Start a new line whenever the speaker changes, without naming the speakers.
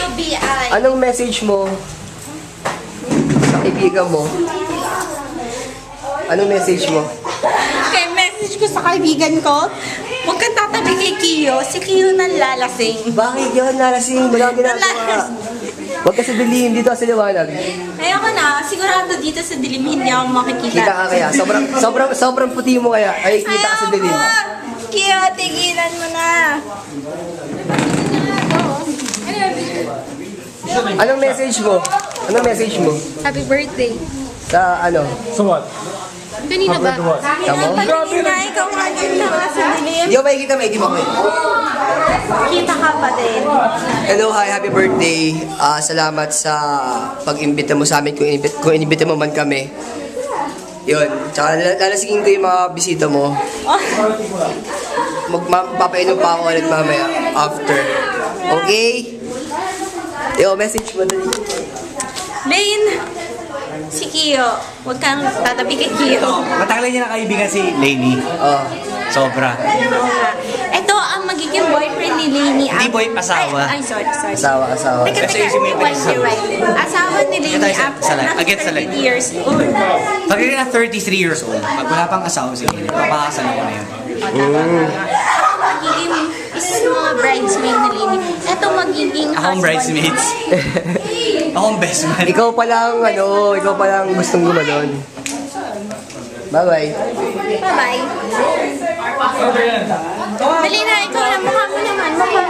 QBI.
Anong message mo sa kaibigan mo? Anong message mo?
Okay, message ko sa kaibigan ko, huwag kang tatabi kay Kiyo. Si Kiyo nang lalasing.
Bakit yun nalasing? Wala kang ginagawa. Huwag ka sa dilim, dito ka sa liwanag.
Ayoko na, sigurado dito sa dilim hindi ako makikita.
Kita ka kaya? Sobrang puti mo kaya. Ay, kita ka sa dilim.
Kiyo, tigilan mo na.
Anong message mo? Anong message mo?
Happy birthday.
Sa ano?
So what?
Kanina ba?
Tamo?
Patingin na, ikaw nga dito sa dilim.
Hindi ko makikita, may di mo ko.
Kita ka pa din.
Hello, hi, happy birthday. Salamat sa pag-imbita mo sa amin kung inimbita mo man kami. Yun. Tsaka lalasigin ko yung mga bisita mo. Magpapainom pa ako ulit mamaya after. Okay? Yo, message mo dali.
Lane, si Kiyo, huwag kang tatabi kay Kiyo.
Matagal niya na kaibigan si Lainey.
Oh.
Sobra.
Ito ang magiging boyfriend ni Lainey.
Hindi boy, asawa.
Ay, sorry.
Asawa.
Teka,
Kasi isipin mo yung
rewind, rewind. Asawa ni Lainey
Ito, isa
after
lang.
nasa
Against sa
30
line.
years old.
Pag na 33 years old, pag wala pang asawa si Lainey, papakasal ako na yun.
Ako magiging isa sa mga bridesmaid ni Lainey. Ito magiging
Akong bridesmaids. Akong best man.
Ikaw pa lang gustong gumanon. Bye-bye.
Bye-bye. Dali na, ikaw na. Mukha mo naman. Mukha